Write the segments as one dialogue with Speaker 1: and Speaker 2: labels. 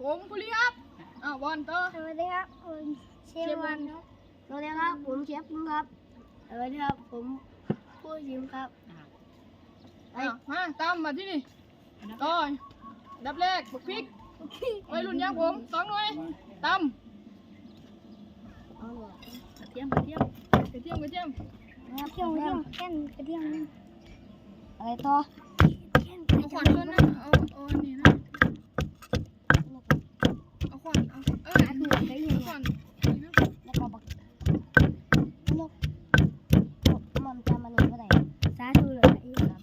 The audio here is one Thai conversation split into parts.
Speaker 1: ผมภูริครับบอลต่อ
Speaker 2: สวัสดีครับผมเชฟวันครับสวัสดีครับผมเชฟปุ้งครับสวัสดีครับผมผู้ชิมครับ
Speaker 1: มาตามมาที่นี่ต่อดับแรกบุกพริกไว้รุ่นยางผม2 หน่วยตำกระเทียมแก้นกระเทียม
Speaker 2: อะไรต่อ
Speaker 1: เอาขวานต้นนะเอานี่นะเอาขวานเอาขวาน
Speaker 2: แล้วก็บักนกมันจะมาหนึ่งเท่าไหร่สาธุเลย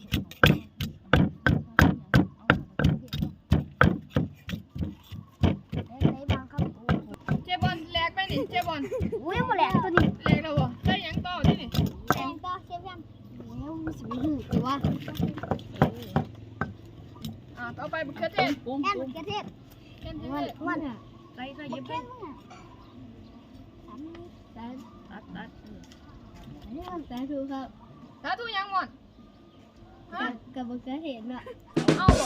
Speaker 1: เจ็บบอลแหลกไปนี่เจ็บบอล
Speaker 2: อุ้ยหมดแล้วตัวนี้
Speaker 1: แหลกแล้วบ่ใส่ยังต่อที่นี่
Speaker 2: แตงต่อเชฟยังแล้วสิบหูหรือว่า
Speaker 1: ต่อไปบุกเขือเทศ
Speaker 2: แค่กระเทียมวัน
Speaker 1: ใส่เย็บไป
Speaker 2: ตัดสาธุครับ
Speaker 1: สาธุยังหมด
Speaker 2: กับมะเขือเทศน่ะ
Speaker 1: เอาบ่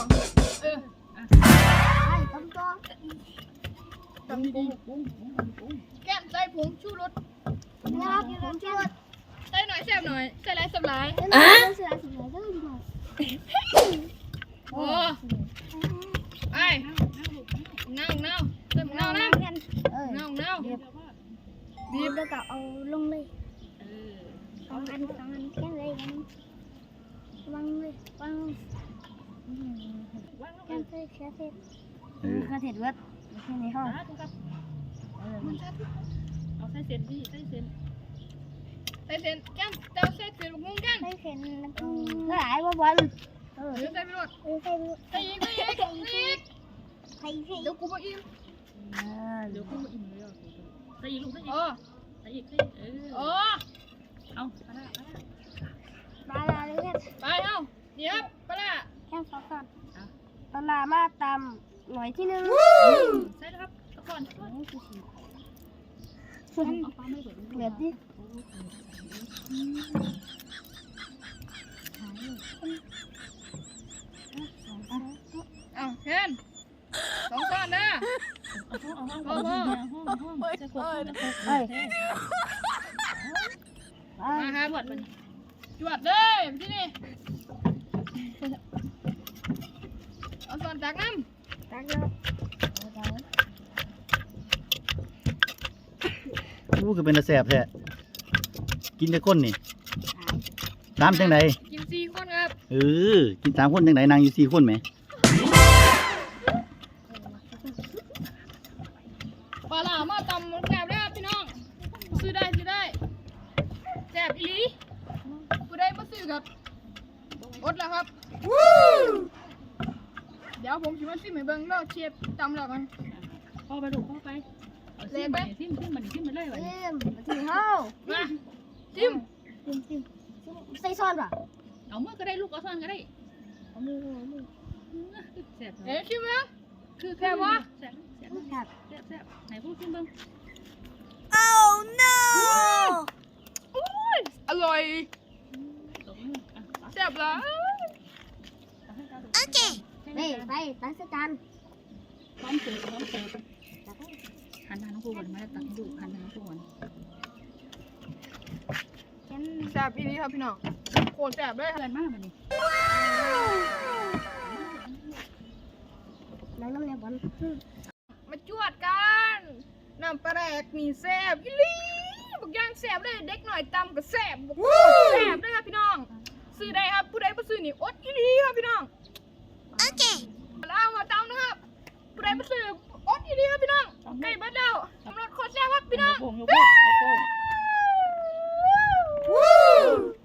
Speaker 2: ไอ้ต้มตัว
Speaker 1: ตำดีแก้มใส่ผงชูรส
Speaker 2: นะครับผมชูรส
Speaker 1: ใส่หน่อยแซ่บหน่อยใส่หลายสับหลายโอ้ไอ้เน่าใส่หมูเน่านะเน่า
Speaker 2: บีบแล้วก็เอาลงเลยสองอันแค่เลยวางเลยแค่เทศวัดแค่ในห้อง
Speaker 1: เอาใส่เส้นดิใส่เส้นแก้มเจ้าใส่เส้นมุ้งแก้ม
Speaker 2: ใส่เส้นหลายว่าบอล
Speaker 1: ใส่ไปหมดใส่อีกเดี๋ยวกูมาอิ่มเลยใส่อีกลูกใส่อีกเอา
Speaker 2: ปลาเลยครับ
Speaker 1: ไปเอาเดี๋ยวปลา
Speaker 2: แค่สองก่อนปลามาตำหน่อยที่1
Speaker 1: ใช่แล้วครับก่อน
Speaker 2: เดือดดิ
Speaker 1: เห็น2 ก้อนนะมาครับจวดเลยที่นี่เอาส่วนตักน้ำ
Speaker 2: ตักแล้ว
Speaker 3: คือเป็นตะแสบแท้กินแต่คนนี่3จังได
Speaker 1: กิน4 คนครับ
Speaker 3: กิน3 คนจังไดนางอยู่4 คนไหม
Speaker 1: ปลาหลามาตำแซ่บได้พี่น้องซื้อได้แซ่บอีหลีผู้ใดมาซื้อครับอดแล้วครับเดี๋ยวผมชิมมาซิมให้เบิ่งแล้วเชฟตำแล้วกัน
Speaker 4: พ่อไปดูพ่อไป
Speaker 1: เละไป
Speaker 4: ซิมมันเลยวันนี้
Speaker 2: ถึงเฮา
Speaker 1: มาซิม
Speaker 2: ใส่ซอนป่ะ
Speaker 4: เอาเมื่อก็ได้ลูกเอาซ่อนก็ได้
Speaker 2: เอามือ
Speaker 4: แซ่บ
Speaker 1: ชิมไหมคือแค่ว่า
Speaker 4: แซ่บไหนพูดซิมเบิ้ง
Speaker 2: Oh no
Speaker 1: อร่อยแซ่บละ
Speaker 2: โอเคนี่ไปตักจาน
Speaker 4: พร้อมเสิร์ฟหันทางน้องผู้ก่อนมาตักดูหันทางน้องผู้ก่อน
Speaker 1: แซ่บอีนี้ครับพี่น้องโคตรแซ่บเลย
Speaker 4: อะไรมากมันนี่
Speaker 2: น้ำเนี่ยบอล
Speaker 1: มาจวดกันน้ำปลาแดกนี่แซ่บอีหลีบักย่างแซ่บเลยเด็กหน่อยตำก็แซ่บบักแซ่บเลยครับพี่น้องซื้อได้ครับผู้ใดมาซื้อนี่อดอีหลีครับพี่น้อง
Speaker 2: โอเค
Speaker 1: แล้วมาตำนะครับผู้ใดมาซื้ออดอีหลีครับพี่น้องใกล้เบิดแล้วสำหรับโคตรแซ่บครับพี่น้อง